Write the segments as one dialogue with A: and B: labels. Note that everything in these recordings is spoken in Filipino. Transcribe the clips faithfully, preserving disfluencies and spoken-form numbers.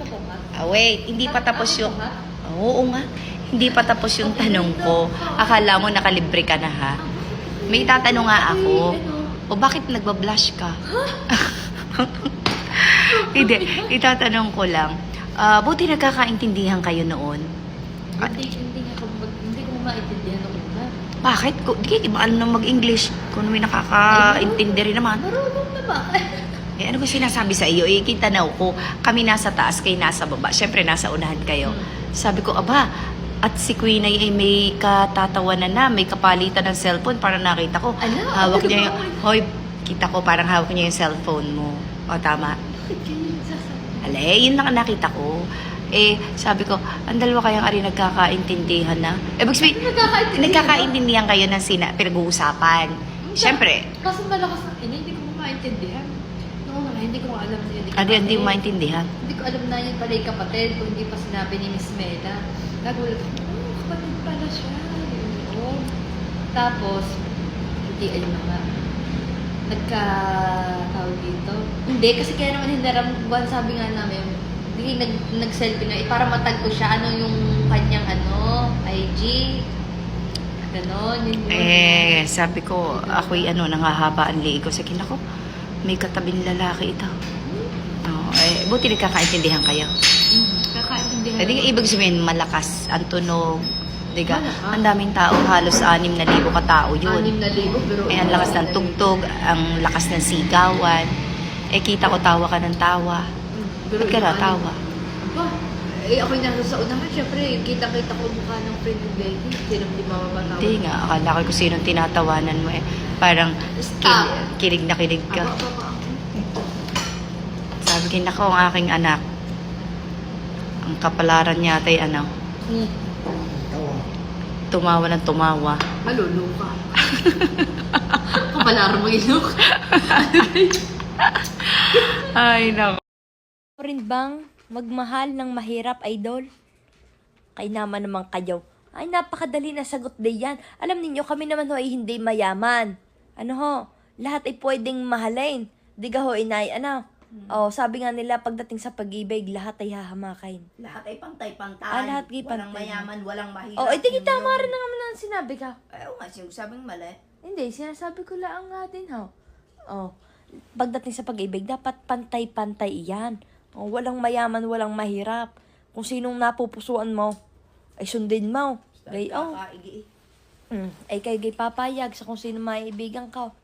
A: pa po nga?
B: Ah, wait, hindi pa tapos
A: Ah,
B: yung...
A: ano nga?
B: Oo nga, hindi pa tapos yung tanong ko. Akala mo nakalibre ka na ha? May tatanong nga ako. O bakit nagbablush ka? Hindi, itatanong ko lang. Ah, buti nagkakaintindihan kayo noon.
A: Hindi, hindi nga ako, mag- hindi ko maintindihan nung una.
B: Bakit? Ko, di ba alam nang mag-English? Kung may nakakaintindi rin naman.
A: Marunong na ba?
B: Eh, ano ko sinasabi sa iyo? Eh, kitanaw ko, kami nasa taas, kayo nasa baba. Siyempre, nasa unahan kayo. Sabi ko, aba, at si Queen ay, ay may katatawanan na, may kapalitan ng cellphone. Parang nakita ko,
A: Ala,
B: hawak
A: ano
B: niya
A: ba
B: yung,
A: ako?
B: hoy, kita ko, parang hawak niya yung cellphone mo. O, tama.
A: Bakit ganyan sasabihin?
B: Ala, eh, yun lang ang nakita ko. Eh, sabi ko, ang dalawa kayang ari nagkakaintindihan na. Eh, ibig sabihin,
A: Nagkakaintindihan
B: nagkakaintindihan kayo ng sina, pinag-uusapan. Siyempre,
A: Kasi malakas na, hindi, hindi ko maintindihan. Noong una, hindi ko alam na yun.
B: ano hindi mo maintindihan?
A: Hindi ko alam na yun pala yung kapatid kung hindi pa sinabi ni Miss Mela. Nagulat ako, oh, kapatid pala siya. Yun. Tapos, hindi, ayun na nga. Nagka, tawag dito. Hindi, kasi kaya naman hinarambuan, sabi nga namin, hindi, nag, nag-selfie na, eh, para matag ko siya, ano yung kanyang, ano, I G. Ganon, yun yun.
B: Eh, sabi ko, ako'y ano, nangahaba ang liig ko. Sa ko, may katabing lalaki ito. Oh, eh, buti nagkakaintindihan kayo.
A: Hmm, kakaintindihan.
B: Eh, di, ibig sabihin, malakas ang tunog. Di ka?
A: Malakas.
B: Ang daming tao, halos anim na libo katao yun.
A: Anim na libo, pero...
B: Eh, ang lakas ng tugtog, ang lakas ng sigawan. Eh, kita ko tawa ka ng tawa. Ba't ka na tawa?
A: Aba, eh ako'y nasa sa unahan, syempre, kita-kita ko ang mukha ng friend ng Becky. Sino di mamamatawa?
B: Hindi nga, akala ko kung sinong tinatawanan mo eh. Parang
A: Stop.
B: kilig, kilig na kilig ka.
A: Aba, aba, aba.
B: Sabi ko, nako, ang aking anak. Ang kapalaran niya ay ano,
A: Hmm.
B: tumawa ng tumawa.
A: Maluluka. Kapalar mo ilok.
B: Ay, nako.
C: rin bang magmahal ng mahirap, idol? Kay naman naman kayo. Ay, napakadali na sagot din yan. Alam ninyo, kami naman ho ay hindi mayaman. Ano ho? Lahat ay pwedeng mahalin. Di ka ho, inay, ano? Oh, sabi nga nila, pagdating sa pag-ibig, lahat ay hahamakin.
B: Lahat ay pantay-pantay.
C: Ah, lahat ay
B: Walang
C: pantay.
B: mayaman, walang mahirap.
C: Oh, edi
B: Yun
C: tama
B: yun.
C: rin na naman ang sinabi ka.
B: Ay, oo nga, sinasabing mali.
C: Hindi, sinasabi ko lang nga din, ho. Oh, pagdating sa pag-ibig, dapat pantay-pantay iyan. Oh, walang mayaman, walang mahirap. Kung sinong napupusuan mo, ay sundin mo. Gay, oh.
B: Kakaigi.
C: Mm, ay kay gay papayag sa kung sino maibigan ka.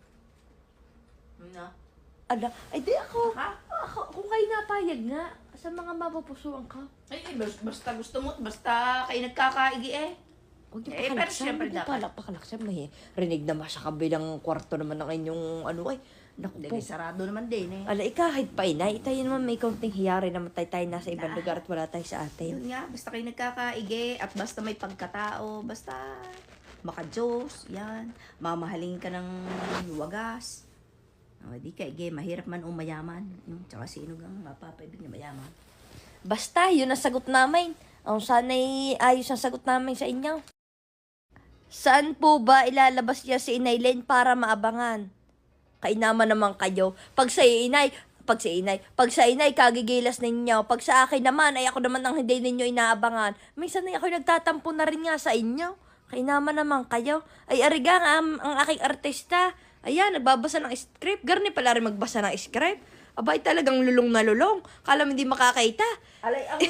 B: Ano?
C: Ala, ay di ako.
B: Ha?
C: Ako, kung kayo napayag nga, sa mga mapupusuan ka.
B: Ay, ay, bas- basta gusto mo, basta kayo nagkakaigi eh.
C: Huwag niyo
B: Eh, pero
C: pakalaksan,
B: syempre
C: huwag niyo
B: dapat.
C: pala pakalaksan. May rinig naman sa kabilang kwarto naman ng inyong ano ay. Naku
B: Hindi,
C: po.
B: sarado naman din eh.
C: Ala, kahit pa inay, tayo naman may kaunting hiyari naman tayo, tayo nasa ibang lugar at wala tayo sa atin.
B: Yun nga, basta kayo nagkakaigi at basta may pagkatao, basta maka-Diyos, yan. Mamahalin ka ng wagas. O, di ka, ige, mahirap man o mayaman. Yung, tsaka sino gang mapapaibig na mayaman.
C: Basta, yun ang sagot namin. Ang sana'y ayos ang sagot namin sa inyo. Saan po ba ilalabas niya si Inay Len para maabangan? Kainaman naman kayo. Pag sa inay, pag sa inay, pag sa inay, kagigilas ninyo. Pag sa akin naman, ay ako naman ang hindi ninyo inaabangan. Minsan ay ako nagtatampo na rin nga sa inyo. Kainaman naman kayo. Ay, arigang ang, ang aking artista. Ayan, nagbabasa ng script. Garni pala rin magbasa ng script. Abay, talagang lulong na lulong. Kala mo hindi makakaita.
B: Alay, ako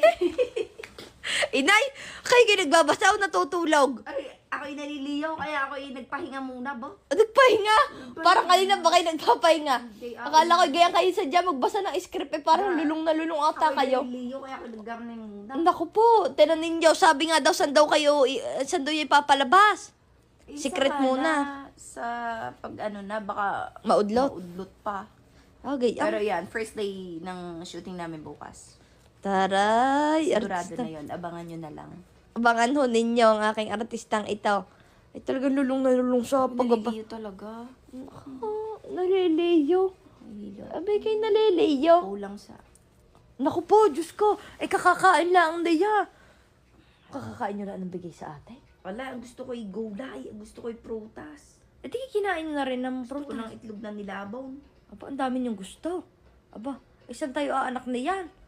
C: Inay, kayo kayo nagbabasa o natutulog?
B: Ay, ako'y naliliyaw, kaya ako'y nagpahinga muna ba?
C: Nagpahinga? Parang kanina ba kayo nagpapahinga?
B: Hindi, ako-
C: Akala ko gaya kayo sadya magbasa ng script eh. Parang lulong na lulong ata
B: Ako'y
C: kayo.
B: naliliyaw, kaya ako naggarning muna.
C: Naku po, tinan ninyo, sabi nga daw saan daw kayo, i- saan daw yung ipapalabas?
B: Isa
C: Secret
B: ka
C: muna.
B: na Sa pag ano na, baka
C: Maudlot?
B: maudlot pa.
C: Okay,
B: Pero
C: ah.
B: yan, first day ng shooting namin bukas.
C: Taray,
B: Sigurado
C: artista.
B: na yun, abangan nyo na lang.
C: Abangan ho ninyo ang aking artistang ito. Ay talagang lulong na lulong sa pagbaba.
B: Naliliyo talaga.
C: Oh, naliliyo.
B: Naliliyo.
C: Abay kayo naliliyo.
B: Kulang sa...
C: Naku po, Diyos ko. Ay kakakain lang ang daya. Kakakain nyo lang ng bigay sa atin.
B: Wala, ang gusto ko ay gulay, ang gusto ko ay prutas.
C: Eh di kinain na rin ng
B: Gusto ko
C: prutas.
B: ng itlog na nilabaw.
C: Aba, ang dami niyong gusto. Aba, isang tayo aanak na yan.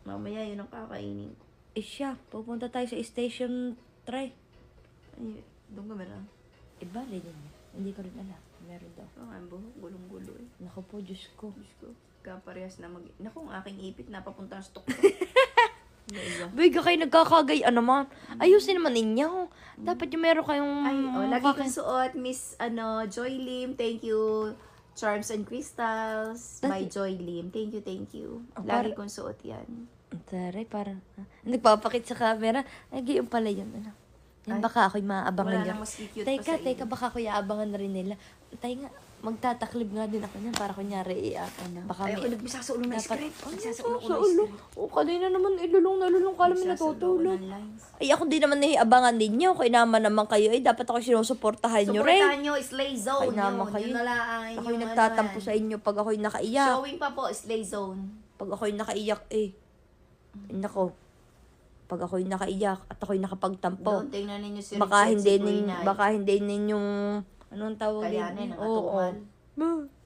B: Mamaya yun ang kakainin.
C: Eh siya, pupunta tayo sa station three.
B: Ay, doon ka meron.
C: Iba rin yun. Hindi ko rin alam. Meron daw.
B: Oh, ang buhok, gulong-gulo eh.
C: Naku po, Diyos ko.
B: Diyos ko, kaparehas na mag... Naku, ang aking ipit napapunta sa stok ko. Iba.
C: Biga kayo nagkakagay naman. Ayusin naman ninyo. Dapat yung meron kayong...
B: Ay, oh, lagi
C: kaka-
B: kong suot, Miss, ano, Joy Lim, thank you. Charms and Crystals by
C: Dati-
B: Joy Lim. Thank you, thank you.
C: Oh,
B: Lagi
C: para-
B: kong suot yan.
C: Taray, parang... ah, Nagpapakit sa camera. Ay, yung pala yun. Ano. Yan,
B: Ay,
C: baka ako'y maabangan
B: Wala
C: niya.
B: nang mas cute
C: Teka,
B: pa sa
C: teka,
B: iyo.
C: baka ako'y aabangan na rin nila. Tay nga, magtataklib nga din ako niyan para kunyari, eh, ah, baka
B: Ay,
C: may...
B: ako nagbisa sa ulo ng
C: Dapat-
B: script.
C: Ay,
B: Nagbisa sa
C: sa
B: ulo ko ng
C: ulo.
B: script.
C: O, kanina naman, ilulong na lulong. Kala mo
B: Nagbisa sa ulo ko
C: natutulog.
B: ng lines.
C: Ay, ako di naman nahiabangan ninyo. Kaya naman naman kayo. Ay, dapat ako sinusuportahan nyo rin.
B: Supportahan nyo, Slay Zone.
C: Ay, naman
B: yun.
C: kayo.
B: Yun na lang.
C: Ako'y
B: yung
C: nagtatampo
B: ano
C: sa
B: yan.
C: inyo pag ako'y nakaiyak.
B: Showing pa po, Slay Zone.
C: Pag ako'y nakaiyak, eh. Ay, nako. Pag ako'y nakaiyak at ako'y nakapagtampo.
B: Doon, tingnan ninyo si
C: Baka
B: Richard,
C: hindi
B: si
C: nin,
B: Brunei.
C: baka hindi ninyong anong tawag
B: Kayanin,
C: din?
B: ang atukan.
C: Oo.